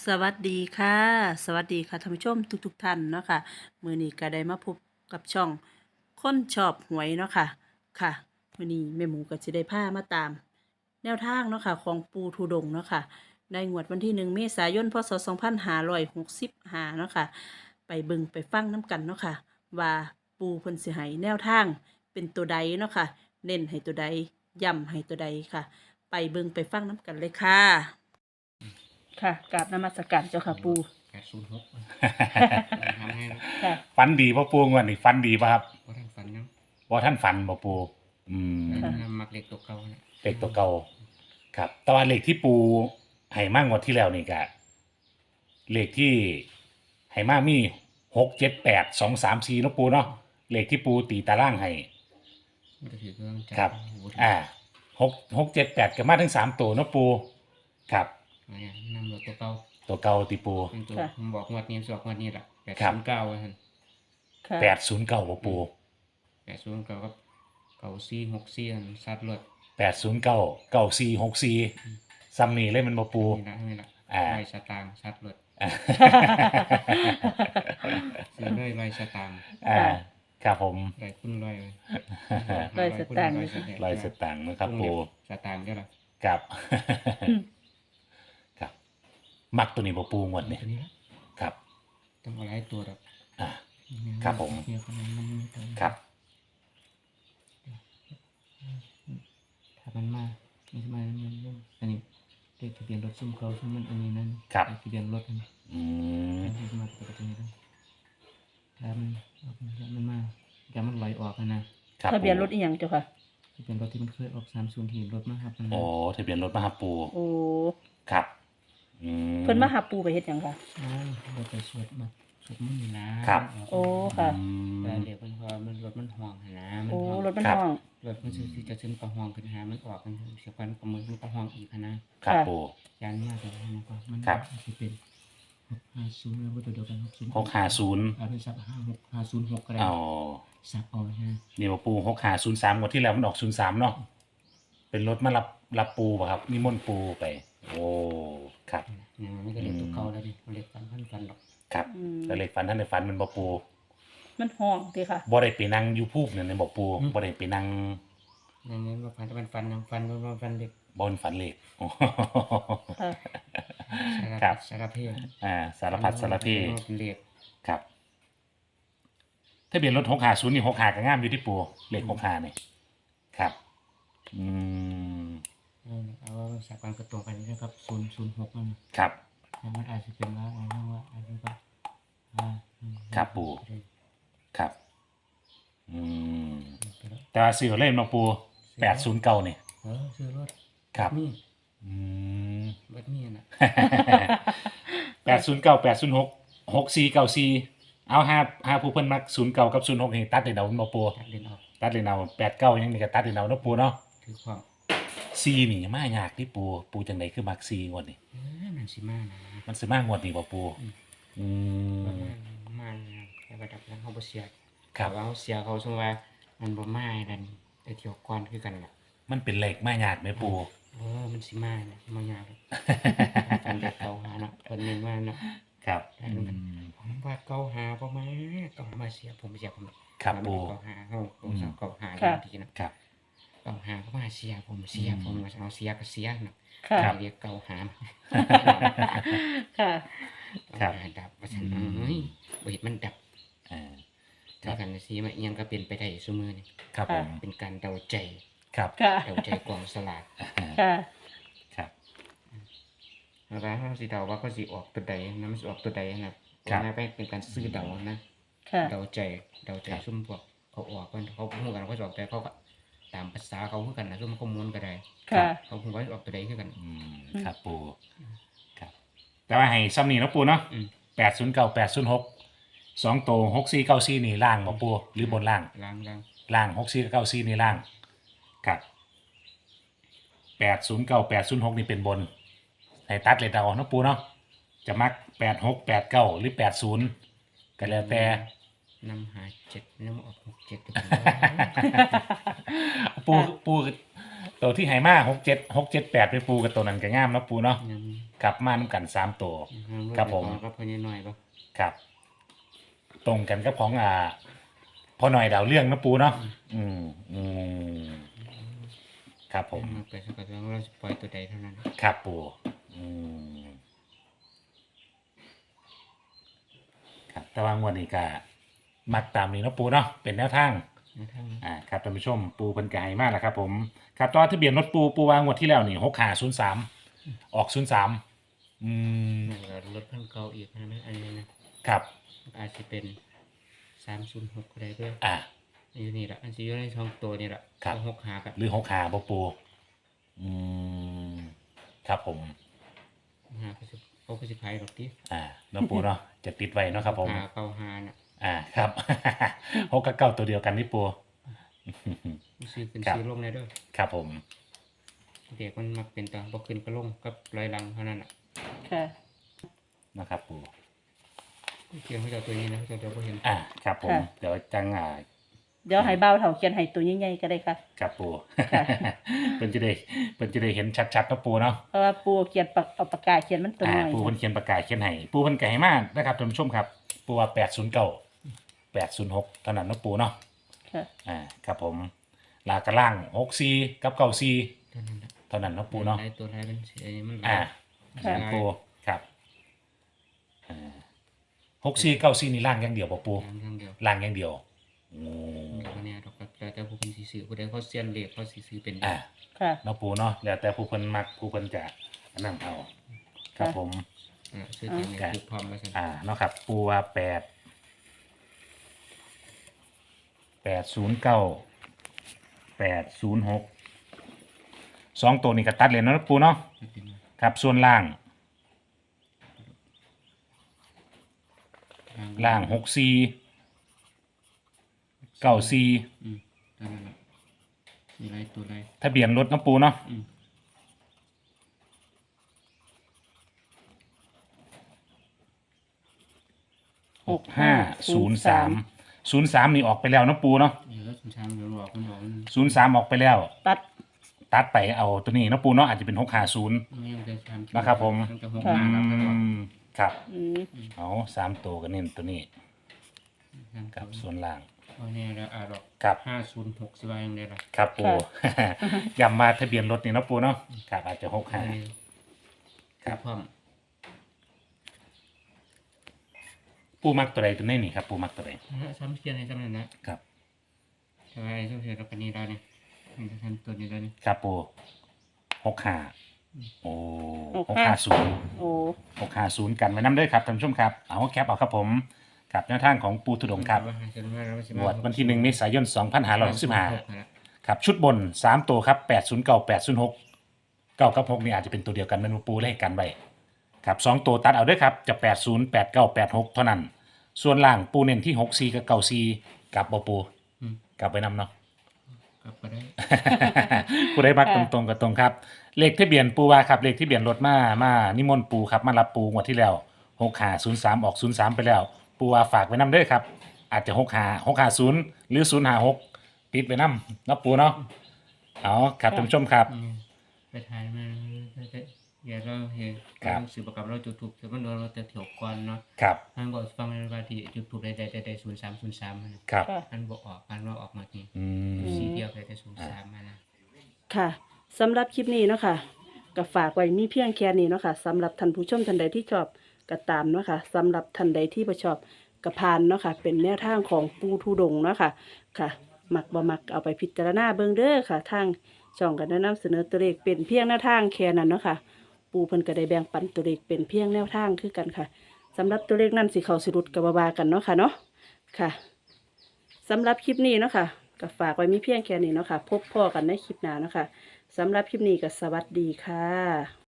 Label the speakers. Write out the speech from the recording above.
Speaker 1: สวัสดีค่ะสวัสดีค่ะท่านผู้ชมทุกท่านเนาะค่ะมื้อนี้ก็ได้มาพบกับช่องคนชอบหวยเนาะค่ะค่ะมื้อนี้แม่หมูก็สิได้พามาตามแนวทางเนาะค่ะของปู่ธุดงค์เนาะค่ะในงวดวันที่1เมษายนพศ2565เนาะค่ะไปเบิ่งไปฟังน้ำกันเนาะค่ะว่าปู่เพิ่นสิให้แนวทางเป็นตัวใดเนาะค่ะเน้นให้ตัวใดย้ำให้ตัวใดค่ะไปเบิ่งไปฟังน้ำกันเลยค่ะ ค่ะกราบนมัสการเจ้าค่ะปู
Speaker 2: 806ทำให้นะ
Speaker 1: ค่ะ
Speaker 3: ฝันดีป่ะปูงวันนี้ฝันดีป่ะครับ
Speaker 2: บ่ทันฝันเนาะ
Speaker 3: บ่ท่านฝันบ่ปูอืม
Speaker 2: แต่
Speaker 1: ค่ะ
Speaker 2: นำมักเล็กตัวเก่านะ
Speaker 3: เลขตัวเก่าครับแต่ว่าเลขที่ปูให้มากงวดที่แล้วนี่ก็เลขที่ให้มากมี6 7 8 2 3 4เนาะปูเนาะเลขที่ปูตีตารางให้
Speaker 2: มันก็ถือเครื่องจั
Speaker 3: ครับ
Speaker 2: โอ้โห
Speaker 3: 6 7 8ก็มาถึง3 ตัวเนาะปูครับ
Speaker 2: เนี่ยนำรถตัวเก่า
Speaker 3: ตัวเก่าตีปู
Speaker 2: เป็นตัว
Speaker 1: ค่ะ
Speaker 2: ผมบอกงวดนี้สอกงวดนี้แหละ
Speaker 3: ครับ
Speaker 2: 809ว่าซั่น
Speaker 1: ค่ะ
Speaker 3: 809บ่ปู
Speaker 2: 809กับ9464อันซัดรถ
Speaker 3: 809 9464ซ้ำนี่เลยมันบ่ปู
Speaker 2: นี่ละ
Speaker 3: อ่า
Speaker 2: ร้อยสตางค์ซัดรถซื้อเลยร้อยสตางค์
Speaker 3: อ่าครับผม
Speaker 2: ร้อยคุณร้อยเลย
Speaker 1: ร้อยสตางค์
Speaker 3: ร้อยสตางค์นะครับปู
Speaker 2: สตางค์เด้อล่ะ
Speaker 3: ครับ ครับ มักตัวนี้บ่ปูงวดนี่
Speaker 2: ตัวนี้ละ
Speaker 3: ครับ
Speaker 2: ต้องเอาหลายตัวดอก
Speaker 3: อ่า ครับผม
Speaker 2: เดี๋ยวคนนั้นมันมีตัว
Speaker 3: ครับ
Speaker 2: ถ้ามันมาอันนี้เลขทะเบียนรถซุ่มเขาซุ่มมันอันนี้นั่น
Speaker 3: ครับ
Speaker 2: เลขทะเบียนรถอันนี้
Speaker 3: อืม
Speaker 2: อันนี้มาตัวนี้แล้วถ้ามันออกมันมาอย่ามันลอยออกนะครับ
Speaker 1: ทะเบียนรถ
Speaker 3: ปู
Speaker 1: อีหยังเจ้าค่ะ
Speaker 2: ทะเบียนรถที่มันเคยออก30ที่รถมาครับมัน
Speaker 3: โอ้ทะเบียนรถมาครับปู
Speaker 1: โอ้
Speaker 3: ครับอืม
Speaker 1: เพิ่นมาหาปูไปเฮ็ดหยังค่ะ
Speaker 2: เราไปสวดมาสวดมันต์นี่นะครับ
Speaker 1: โอ้ค่ะ
Speaker 3: อืม
Speaker 2: แต่เดี๋ยวมันพอมันรถมันห่วงหั่นนะมัน
Speaker 1: โอ้
Speaker 2: ห่วง
Speaker 1: รถมัน
Speaker 3: ครับ
Speaker 1: ห้อง
Speaker 2: รถมันสิจะขึ้นก็ห่วงขึ้นหามันออกมันเสียกันกับมือมันก็ห่วงอีกหั่นนะ
Speaker 3: ครับ
Speaker 1: ค่ะ
Speaker 3: ปู
Speaker 2: ยันมากเลยนะก็มัน
Speaker 3: ครับ
Speaker 2: อาจจะเป็น650แล้วก็ตัวเดียวกัน606
Speaker 3: 650
Speaker 2: เอาไปสัก56506ก็ได้
Speaker 3: เอา
Speaker 2: สับเอาฮะ
Speaker 3: นี่บ่ปู6503งวดที่แล้วมันออก03เนาะเป็นรถมารับปูป่ะครับนิมนต์ปูไป โอ้ครับ
Speaker 2: เนี่ยมันก็เล็กตัวเก่าแล้วดิมันเล็กฟันหรอก
Speaker 3: ครับ
Speaker 1: อืม
Speaker 3: แต่เลขฝันท่านได้ฝันมันบ่ปู
Speaker 1: มันห้องติค่ะ
Speaker 3: บ่ได้ไปนั่งอยู่ภูกนั่นนะบ่ปูบ่ได้ไปนั่ง
Speaker 2: อย่างนี้ว่าฟันมันฟันเล็ก
Speaker 3: บนฝันเลขโอ้
Speaker 1: ค่ะ
Speaker 3: ครับ
Speaker 2: สารเพศ
Speaker 3: สารพัดสารเพ
Speaker 2: เป็นเล็ก
Speaker 3: ครับถ้าเปลี่ยนรถ650นี่65ก็งามอยู่ที่ปูเลข65นี่ครับอืม
Speaker 2: เอาว่าสักวันกระตรงกันนะครับ006นั่น
Speaker 3: ครับ
Speaker 2: แต่มันอาจจะเป็นว่าอะไรว่าอะไรก็
Speaker 3: ครับปู่ ครับอืมแต่ว่าซื้อเล่นมาปู809นี่
Speaker 2: ซื้อรถ
Speaker 3: ครับ
Speaker 2: นี่
Speaker 3: อืม
Speaker 2: รถนี่น่ะ
Speaker 3: 809 806 6494เอา5ผู้เพิ่นมัก09กับ06นี่ตัดได้เอาบ่ปู
Speaker 2: ตัดเล่นออก
Speaker 3: ตัดเลยเอา89ยังนี่ก็ตัดเลยเอาเนาะปูเนาะ
Speaker 2: ถือความ
Speaker 3: ซีนี่มายากที่ปูจังไดคือมักซีงวดนี่
Speaker 2: มันสิมานะ
Speaker 3: มันสิมางวดนี่บ่ปูอืม
Speaker 2: มันแต่ระดับนั้นเขาบ่เสีย
Speaker 3: ครับ
Speaker 2: แต่ว่าเขาเสียเขาสมว่ามันบ่มาดันแต่เที่ยวก่อนคือกันล่ะ
Speaker 3: มันเป็นเลขมายากไหมปู
Speaker 2: มันสิมานะมายากฟันเด็กเก่าหาเนาะคนนึงว่าเนาะ
Speaker 3: ครับ
Speaker 2: ผมว่าเก่าหาบ่มาเก่ามาเสียผมเสียผม
Speaker 3: ครับปู
Speaker 2: เก่าหาเฮาผมสาวเก่าหา
Speaker 1: ค่ะ
Speaker 2: ทีนะครับ เก่าหาก็มาเสียผมเสียผมเอาเสียก็เสียเนาะ
Speaker 1: ค่ะ
Speaker 2: เรียกเก่าหา
Speaker 1: ค่ะ
Speaker 3: ครับ
Speaker 2: ดับว่าซั่นเอ้ยบ่เห็นมันดับ
Speaker 3: อ่า
Speaker 2: ถ้ากันสิมาเอียงก็เป็นไปได้ซุมื้อนี่
Speaker 3: ครับผม
Speaker 2: เป็นการเดาใจ
Speaker 3: ครับ
Speaker 1: ค่ะ
Speaker 2: เดาใจกองสลาก
Speaker 1: ค่ะ
Speaker 3: ครับ
Speaker 2: แล้วเขาสิเดาว่าเขาสิออกตัวใดนะมันสิออกตัวใดนะ
Speaker 3: ครับ
Speaker 2: ไม่เป็นการซื้อเดานะ
Speaker 1: ค่ะ
Speaker 2: เดาใจซุ่มพวกเขาออกกันเขาพูดกันเขาออกแต่เขาก็ตามภาษาเขาคือกันนะซุ่มเขาม้วนก็ได้
Speaker 1: ค่ะ
Speaker 2: เขาพูดว่าออกตัวใดคือกัน
Speaker 3: อืมครับปูครับ แต่ว่าให้ซ้ำนี่เนาะปูเนาะ
Speaker 2: อืม
Speaker 3: 809 806 2โตว6494นี่ล่างบ่ปูหรือบนล่าง
Speaker 2: ล้าง
Speaker 3: ล่าง6494นี่ล่างครับ809 806นี่เป็นบนให้ตัดเลยเดาเนาะปูเนาะจะมัก86 89หรือ80ก็แล้วแต่
Speaker 2: นำหา7นำออก6 7
Speaker 3: ปูปูตัวที่ให้มา6 7 8ไปปูกับตัวนั้นก็งามเนาะปูเนาะ
Speaker 2: งั้น
Speaker 3: ครับมานํกัน3ตัว ครับผม
Speaker 2: ก็พอนิดหน่อยบ่
Speaker 3: ครับ ตรงกันกับของพอหน่อยดาวเรื่องเนาะปูเนาะอืมครับผม
Speaker 2: มาไปสักพักเราจะปล่อยตัวใดเท่านั้น
Speaker 3: ครับปูอืมครับแต่ว่างวดนี้ก็มักตามนี้เนาะปูเนาะเป็นแนวทาง
Speaker 2: นะทั้ง
Speaker 3: ครับท่านผู้ชมปูเพิ่นก็ให้มาแล้วครับผมครับตอนทะเบียนรถปูวางงวดที่แล้วนี่6503ออก03
Speaker 2: นั่นก็ลดเพิ่มเก่าอีกนะอันนี้นะครับ อาจจะเป็น306ก็ได้ด้วย
Speaker 3: อ่า
Speaker 2: อันนี้ละอันที่อยู่ในช่องตัวนี่ละ
Speaker 3: ครับ
Speaker 2: 6หากับ
Speaker 3: หรือ65บ่ปูอืมครับผม
Speaker 2: หาก็สิเอาก็สิพายดอกติ
Speaker 3: เนาะปูเนาะจะติดไว้เนาะครับผม
Speaker 2: หาเก่าหาน่ะ
Speaker 3: ครับ 6กับ9ตัวเดียวกันนี่ปู
Speaker 2: ซื้อขึ้น
Speaker 3: ครับ
Speaker 2: ซื้อลงได้เด้วย
Speaker 3: ครับผม
Speaker 2: เด็กมันมักเป็นตาบ่ขึ้นก็ลงกับรอยหลังเท่านั้นน่ะ
Speaker 1: ค่ะ
Speaker 3: นะครับปู
Speaker 2: เขียนให้เจ้าตัวนี้นะเจ้าเดี๋ยวบ่เห็น
Speaker 3: ครับผม
Speaker 1: ค่ะ
Speaker 3: เดี๋ยวจัง
Speaker 1: เดี๋ยวให้เบาเถาเขียนให้ตัวใหญ่ๆก็ได้ค่ะ
Speaker 3: ครับปู
Speaker 1: ค่ะ
Speaker 3: เป็นจะได้เห็นชัดๆเนาะปูเนาะ
Speaker 1: เพราะว่าปูเขียนเอาปากกาเขียนมันตัวน้อย
Speaker 3: ปูเพิ่นเขียนประกาศเขียนให้ปูเพิ่นก็ให้มานะครับท่านผู้ชมครับปูว่า809 806เท่านั้นเนาะปูเนาะ
Speaker 1: ค่ะ
Speaker 3: ครับผมลากระล่าง64กับ94
Speaker 2: เท่านั้นน่ะ
Speaker 3: เท่านั้นเนาะปูเนาะ
Speaker 2: หลายตัวหลายมันสิอันนี้มันหลาย
Speaker 3: อ่า
Speaker 1: ค่ะ
Speaker 3: ปูครับ64 94นี่ล่างอย่างเดียวบ่ปู
Speaker 2: อย่างเดียว
Speaker 3: ล่างอย่างเดียวโอ้
Speaker 2: เดี๋ยวเนี่ยดอกก็แล้วแต่ผู้คนสิซื้อผู้ใดเขาเซียนเลขเขาสิซื้อเป็น
Speaker 3: อ่า
Speaker 1: ค่ะ
Speaker 3: เนาะปูเนาะแล้วแต่ผู้เพิ่นมักผู้เพิ่นจะอันนั่นเอาครับผม
Speaker 2: ซื้อเป็นเลขคือพร้อมแล้วซั่น
Speaker 3: เนาะครับปูว่า809 806 2ตัวนี้ก็ตัดเลยเนาะปูเนาะครับส่วนล่าง64 94
Speaker 2: เท่านั้นน่ะมีหลายตัวหลาย
Speaker 3: ทะเบียนรถเนาะปูเนาะ
Speaker 2: อืม
Speaker 3: 6503 นี่ออกไปแล้วเนาะปูเนาะ
Speaker 2: นี่แล้วสุนทางเดี๋ยวบอกมันบอกมัน
Speaker 3: 03ออกไปแล้ว
Speaker 1: ตัด
Speaker 3: ไปเอาตัวนี้เนาะปูเนาะอาจจะเป็น650
Speaker 2: ไม่ยังจะทำ
Speaker 3: นะครับผม
Speaker 2: มันจะ6 5ครับแล้วก็
Speaker 3: ครับ
Speaker 1: อืม
Speaker 3: เอา3ตัวก็เน้นตัวนี้กับส่วนล่าง
Speaker 2: เพราะเนี่ยแล้วดอก
Speaker 3: ครับ
Speaker 2: 506สิว่ายังได้ล่ะ
Speaker 3: ครับปู ย้ำมาทะเบียนรถนี่เนาะปูเนาะครับอาจจะ65 ครับ
Speaker 2: พร้อม
Speaker 3: ปูมักตัวใดตัวนี้นี่ครับปูมักตัวใด
Speaker 2: ซ้ำเขียนให้ซ้ำนั่นนะครับ แต่ว่าไอ้ซ้ำเขียนกับปานนี้แล้วนี่มันจะทำตัวนี้แล้วนี่
Speaker 3: ครับปู65โอ้650
Speaker 1: โอ้
Speaker 3: 650กันไว้นำเด้อครับท่านผู้ชมครับเอาแคปเอาครับผมกับแนวทางของปูทุดงค์ครับงวดวันที่1เมษายน2565ครับชุดบน3ตัวครับ809 806 9กับ6นี่อาจจะเป็นตัวเดียวกันแม่นบ่ปูเลขกันไว้ครับ2ตัวตัดเอาเด้อครับจะ80 89 86เท่านั้นส่วนล่างปูเน้นที่64กับ94กับบ่ปูกลับไปนำเนาะ
Speaker 2: กลับก็ได้
Speaker 3: ผู้ใดมักตรงๆกับตรงครับเลขทะเบียนปูว่าครับเลขทะเบียนรถมานิมนต์ปูครับมารับปูงวดที่แล้ว6503ออก03ไปแล้ว ปูว่าฝากไว้นำเด้อครับ อาจจะ650หรือ056ติดไว้นำเนาะปูเนาะเอาครับท่านผู้ชมครับ
Speaker 2: ไปถ่ายมาอย่าเราเห็น
Speaker 3: ครับ
Speaker 2: สื่อประกับเราจุดถูกแต่มันโดนเราจะเถียวก่อนเนาะ
Speaker 3: ครับ
Speaker 2: ท่านบอกฟังในว่าที่จุดถูกได้0303
Speaker 3: ครับ
Speaker 1: ค่ะ
Speaker 2: ท่านบอกออกกันว่าออกมาที
Speaker 3: อืม
Speaker 2: สีเดียวได้03มานะ
Speaker 1: ค่ะสำหรับคลิปนี้เนาะค่ะก็ฝากไว้มีเพียงแค่นี้เนาะค่ะสำหรับท่านผู้ชมท่านใดที่ชอบก็ตามเนาะค่ะสำหรับท่านใดที่บ่ชอบก็ผ่านเนาะค่ะเป็นแนวทางของปูทุดงค์เนาะค่ะค่ะ มักบ่มักเอาไปพิจารณาเบิ่งเด้อค่ะทางช่องก็ได้นำเสนอตัวเลขเป็นเพียงแนวทางแค่นั้นเนาะค่ะปูเพิ่นก็ได้แบ่งปันตัวเลขเป็นเพียงแนวทางคือกันค่ะสำหรับตัวเลขนั้นสิเข้าสิรุดก็บ่ว่ากันเนาะค่ะเนาะค่ะสำหรับคลิปนี้เนาะค่ะก็ฝากไว้มีเพียงแค่นี้เนาะค่ะพบพ่อกันในคลิปหน้าเนาะค่ะสำหรับคลิปนี้ก็สวัสดีค่ะ